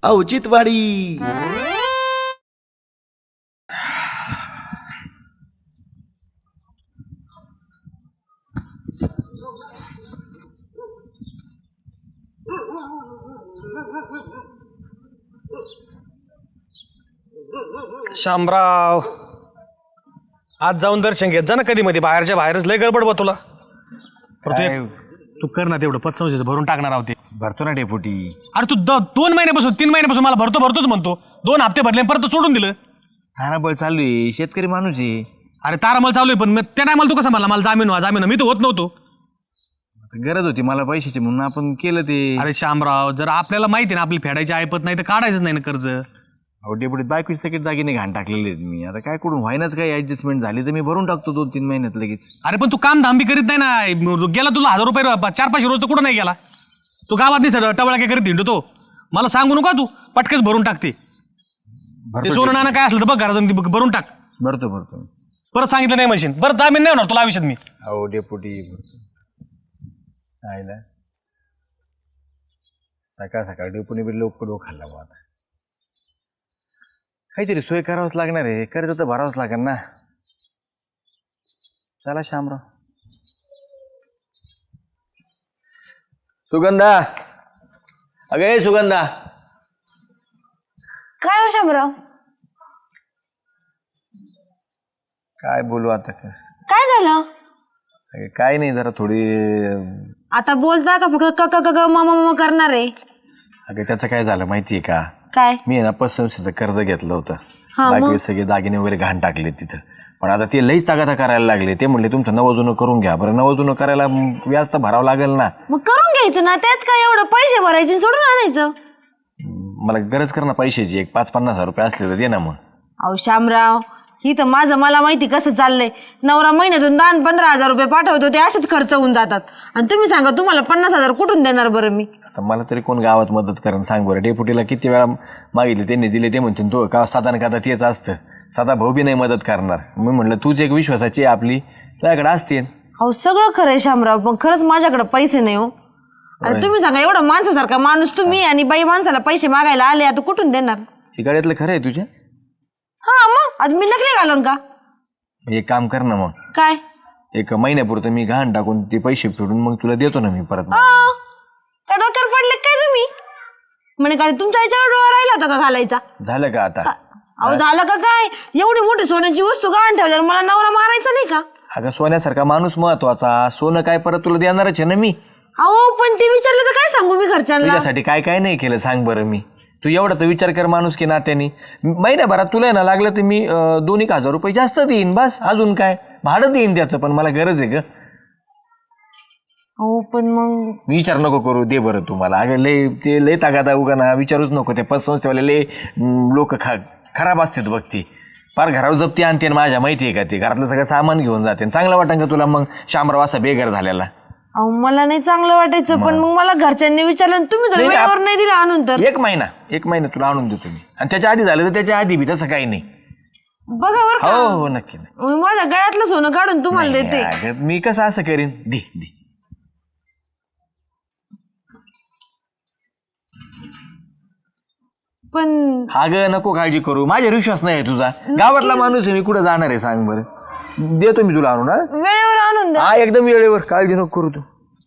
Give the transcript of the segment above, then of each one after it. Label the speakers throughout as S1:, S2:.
S1: औचित्यवाडी.
S2: शामराव, आज जाऊन दर्शन घेत जा ना कधी मध्ये, बाहेरच्या बाहेरच लय गडबड बा तुला. तू कर ना तेवढं 500 भरून टाकणार आहोत.
S3: भरतो ना डेपुटी.
S2: अरे तू 2 महिन्यापासून 3 महिन्यापासून मला भरतोच म्हणतो. 2 हप्ते भरले परत सोडून दिलं.
S3: ताराबळ चालू आहे, शेतकरी माणूस आहे.
S2: अरे तारामल चालू आहे, पण त्या नाही मला तू कसं मला जामीन मी तर होत नव्हतो.
S3: गरज होती मला पैशाची म्हणून आपण केलं ते.
S2: अरे शामराव, जर आपल्याला माहिती ना आपली फेडायची ऐपत नाही तर काढायचं नाही ना कर्ज.
S3: अहो डेपुटीत बायकोची सगळे दागिने घाण टाकलेले आहेत मी. आता काय करून व्हायनाच काही ऍडजस्टमेंट झाली तर मी भरून टाकतो 2-3 महिन्यात लगेच.
S2: अरे पण तू काम धाम बी करीत नाही ना. गेला तुला 1000 रुपये 4-5 रोज तर कुठं नाही गेला. तू गावात नाही सर टवळा काय करीत हिंडतो. मला सांगू नका तू पटकेच भरून टाकते. ते सोनं नाणं काय असलं तर बघ घरात भरून टाक.
S3: भरतो
S2: परत सांगितलं नाही मशीन परत जामीन नाही होणार तुला आयुष्यात मी.
S3: अहो डेपुटी आईला सकाळ डेपुटी बी लोक खाल्ला बा. आता काहीतरी सोय करावंच लागणार आहे. कर्ज तर भरावंच लागेल ना. चला शामराव. सुगंधा, अगे सुगंधा.
S4: काय हो शामराव,
S3: काय बोलू आता.
S4: काय झालं?
S3: अगे काय नाही, जरा थोडी.
S4: आता बोलता का फक्त क क क म म करणार आहे?
S3: अगं त्याचं काय झालं माहितीये का?
S4: काय?
S3: मी ना पतसंस्थेचं कर्ज घेतलं होतं.
S4: हा,
S3: बाकी सगळे दागिने वगैरे घाण टाकले तिथं. पण आता ते लईच तागाता करायला लागले. ते म्हणले तुमचं नवं करून घ्या. बरं नवं करायला व्याज तर भरावं लागेल ना.
S4: मग करून घ्यायचं ना, त्यात काय एवढं पैसे भरायचे सोडून आणायचं.
S3: मला गरज कर ना पैशाची. 5-50 हजार रुपये असले तर दे ना मग.
S4: अहो शामराव, ही तर मला माहिती कसं चाललंय. नवरा महिन्यातून 10-15 हजार रुपये पाठवतो, ते असेच खर्च होऊन जातात. आणि तुम्ही सांगा तुम्हाला 50,000 कुठून देणार बरं मी?
S3: आता मला तरी कोण गावात मदत करेन सांग बरं. डेपुटीला किती वेळा मागितले, त्यांनी दिले. ते म्हणतील तो का साधा का तेच असतं. साधा भाऊ बी नाही मदत करणार. मी म्हणलं तूच एक विश्वासाची आपली, तुझ्याकडे असते.
S4: अहो सगळं खरं आहे शामराव, पण खरंच माझ्याकडे पैसे नाही हो. आणि तुम्ही सांगा एवढा माणसासारखा माणूस तुम्ही आणि बाई माणसाला पैसे मागायला आले, आता कुठून देणार?
S3: इकडे खरं आहे तुझ्या?
S4: हा मग आता मी नकली घालून का?
S3: एक काम कर ना मग.
S4: काय?
S3: 1 महिन्यापुरतं मी घाण टाकून ते पैसे फेडून मग तुला देतो ना मी परत.
S4: काय डोक्यावर पडले काय तुम्ही? म्हणे काय तुमच्या याच्यावर डोळा राहिला होता का घालायचा?
S3: झालं का आता?
S4: अहो झालं का काय? एवढी मोठी सोन्याची वस्तू गहाण ठेवल्यावर मला नवरा मारायचा नाही का?
S3: अगं सोन्यासारखा माणूस महत्वाचा. सोनं काय परत तुला देणारच आहे ना मी.
S4: अहो पण ते विचारलं तर काय सांगू मी घरच्यांना?
S3: तुझ्यासाठी काय काय नाही केलं सांग बरं मी. तू एवढा तर विचार कर माणूस की नात्याने. महिन्याभरात तुला ना लागलं तर मी 2-1 हजार रुपये जास्त देईन बस. अजून काय भाडं देईन त्याचं. पण मला गरज आहे ग.
S4: हो पण मग
S3: विचार नको करू, दे बरं तुम्हाला. अगं लय तागादा उगा ना विचारूच नको. ते पतसंस्थेवाले लय लोक खराब असतात बघ. ती फार घरावर जप्ती आणते माझ्या, माहिती आहे का? ते घरातलं सगळं सामान घेऊन जाते. चांगलं वाटेल का तुला मग शामराव असा बेघर झालेला?
S4: अहो मला नाही चांगलं वाटायचं, पण मग मला घरच्यांनी विचारलं तुम्ही तर वेळेवर नाही दिलं आणून. तर
S3: 1 महिना तुला आणून देतो मी. आणि त्याच्या आधी झालं तर त्याच्या आधी बी तसं काही नाही.
S4: बघा बरं का?
S3: हो नक्की.
S4: मी माझ्या गळ्यातलं सोनं काढून तुम्हाला देते.
S3: अगं, मी कसं असं करीन? दे.
S4: पण
S3: अगं नको काळजी करू. माझ्यावर विश्वास नाही आहे तुझा. गावातला माणूस आहे मी, कुठं जाणार आहे सांग बरं. देतो मी तुला आणून.
S4: वेळेवर आणून द्या.
S3: हा एकदम वेळेवर. काळजी नको करू तू.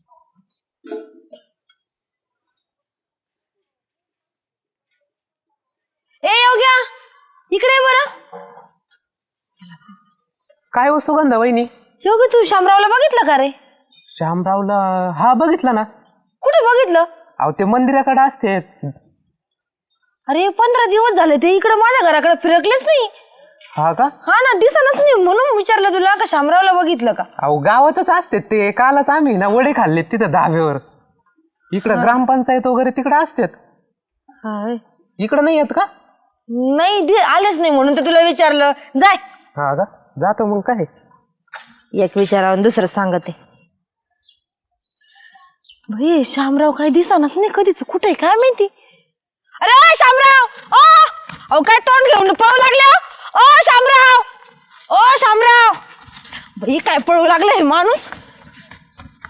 S4: ए योग्या इकडे बरं.
S5: काय हो सुगंधा वहिनी?
S4: योग्य तू शामरावला बघितलं का रे?
S5: श्यामरावला? हा बघितलं ना.
S4: कुठे बघितलं?
S5: अहो ते मंदिराकडे असते.
S4: अरे 15 दिवस झाले ते इकडे माझ्या घराकडे फिरकलेच नाही.
S5: हा का?
S4: हा ना, दिसनच नाही. म्हणून विचारलं तुला का शामरावला बघितलं का?
S5: अहो गावातच असते ते. कालच आम्ही ना वडे खाल्लेत तिथं धाब्यावर. इकडं ग्रामपंचायत वगैरे तिकडे असतात. इकडं नाही येत का?
S4: नाही आलेच नाही म्हणून तर तुला विचारलं. जाय.
S5: हा का? जातो मग काय.
S4: एक विचारावं दुसरं सांगते. भाई शामराव काही दिसनाच नाही कधीच. कुठे काय माहिती? अरे शामराव, अहो काय तोंड घेऊन पळू लागले? ओ शामराव, ओ शामराव. भाई काय पळू लागले माणूस?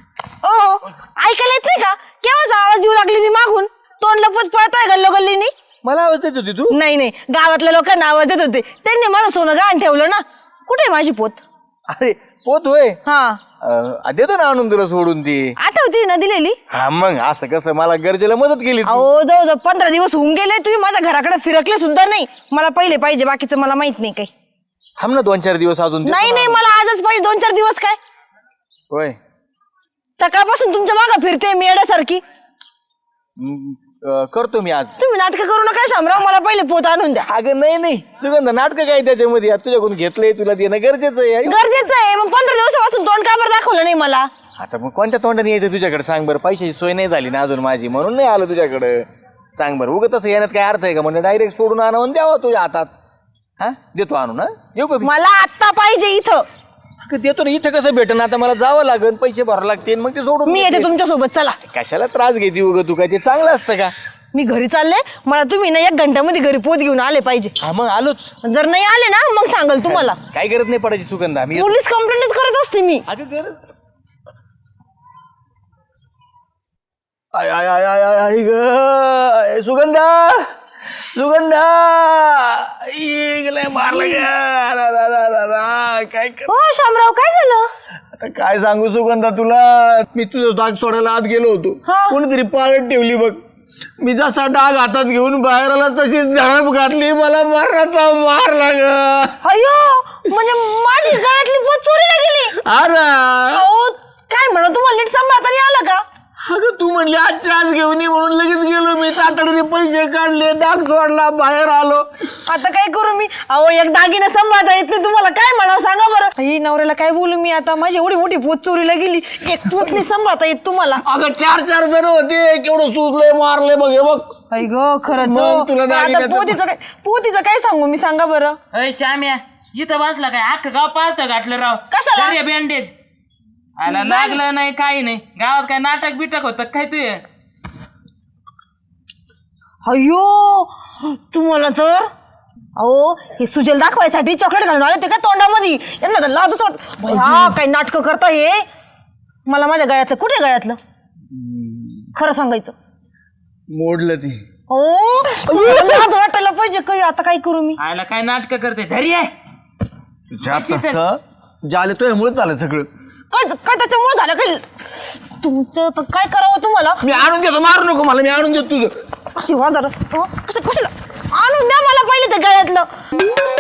S4: ओ ऐकायला येत नाही का? केव्हाचा आवाज देऊ लागली मी मागून? तोंड लपत पळतोय गल्लोगल्लीनी.
S3: मला आवाज देत होती तू?
S4: नाही नाही, गावातल्या लोकांना आवाज देत होते. त्यांनी माझं सोनं गहाण ठेवलं ना. कुठे आहे माझी पोत?
S3: अरे पोत होय.
S4: हा,
S3: देतो ना आणून तुला सोडून ती.
S4: आठवते ना दिलेली.
S3: हा मग असं कसं मला गरजेला मदत केली तू.
S4: अहो जवळजवळ 15 दिवस होऊन गेले, तुम्ही माझ्या घराकडे फिरकले सुद्धा नाही. मला पहिले पाहिजे, बाकीचं मला माहित नाही काही.
S3: थांब ना 2-4 दिवस अजून देतो
S4: नाही
S3: ना.
S4: नाही, मला आजच पाहिजे. 2-4 दिवस काय,
S3: होय.
S4: सकाळपासून तुमच्या मागं फिरते मी येण्यासारखी.
S3: करतो मी आज.
S4: तुम्ही नाटकं करू नका शामराव, मला पहिले पोत आणून द्या.
S3: अगं नाही सुगंध, नाटक काय त्याच्यामध्ये? तुझ्याकडून घेतलंय, तुला देणं गरजेचं आहे.
S4: गरजेचं आहे. मग 15 दिवसापासून तोंड का बरं दाखवलं नाही मला?
S3: आता मग कोणत्या तोंडाने यायचं तुझ्याकडे सांग बरं? पैशाची सोय नाही झाली ना अजून माझी, म्हणून नाही आलो तुझ्याकडे. सांग बरं, उगं तसं येण्यात काय अर्थ आहे का? म्हणजे डायरेक्ट सोडून आणून द्यावं तुझ्या हातात. हा देतो आणून. हा येऊ का?
S4: मला आत्ता पाहिजे इथं.
S3: देतो ना. इथं कसं भेटन? आता मला जावं लागेल, पैसे भरावं लागतील, मग ते सोडून
S4: मी येते तुमच्या सोबत. चला.
S3: कशाला त्रास घेते उगं तू? काय ते चांगलं असतं का?
S4: मी घरी चालले, मला तुम्ही ना 1 घंट्यामध्ये घरी पोत घेऊन आले पाहिजे.
S3: हा मग आलोच.
S4: जर नाही आले ना मग सांगाल तुम्हाला.
S3: काय गरज नाही पडायची सुगंधा. मी
S4: पोलीस कंप्लेंटच करत असते मी.
S3: अगं गरज. आय आय आय आय आय ग सुगंधा मारलं काय
S4: हो शामराव, काय झालं?
S3: आता काय सांगू सुगंधा तुला? मी तुझं डाग सोडायला आत गेलो होतो.
S4: हा.
S3: कोणीतरी पाळत ठेवली बघ. मी जसा डाग हातात घेऊन बाहेर आला तशी झडप घातली, मला मारण्याचा मारला ग.
S4: अयो, म्हणजे माझी गळ्यातली पोत चोरीला गेली.
S3: अरे
S4: अहो काय म्हणा, तुम्हाला नीट सांभाळता नाही आलं का?
S3: अगं तू म्हणली आजच्या आज घेऊन ये म्हणून लगेच गेलो मी. तातडीने पैसे काढले, डाग सोडला, बाहेर आलो.
S4: आता काय करू मी? अहो एक दागिना सांभाळता येत नाही तुम्हाला, काय म्हणावं सांगा बरं. ही नवऱ्याला काय बोलू मी आता? माझी एवढी मोठी पोत चोरीला गेली, एक पोत नाही सांभाळता येत तुम्हाला.
S3: अगं 4 जण होते, केवढं सुचलंय, मारले बघ हे बघ.
S4: आई ग खरंच
S3: मग
S4: हो.
S3: तुला
S4: पण आता
S3: दागिन्याचं-
S4: पोतीचं काय सांगू मी, सांगा बरं.
S1: अय श्याम्या, इथं बसला काय? अख्खं गाव पालतं घातलं राव.
S4: कशाला?
S1: बँडेज आला, लागलं नाही काही नाही. गावात काय नाटक बिटक होतं काय तू?
S4: अयो तुम्हाला तर, अहो हे सुजल दाखवायसाठी चॉकलेट घालून आले ते काय तोंडामध्ये. यांना तर लाजच वाट. भया काय नाटकं करता हे. मला माझ्या गळ्यातलं, कुठे गळ्यातलं खरं सांगायचं?
S3: मोडलं ती.
S4: ओ लाज वाटायला पाहिजे काही. आता काय करू मी?
S1: आला काय नाटक करते? धरी आहे.
S3: जाले तो यामुळे झालं सगळं.
S4: काय काय त्याच्यामुळे झालं काय? तुमचं तर काय करावं तुम्हाला?
S3: मी आणून देतो, मारू नको मला, मी आणून देतो तुझं.
S4: अशी वाजार कशाला आणून द्या मला पहिले ते गळ्यातलं.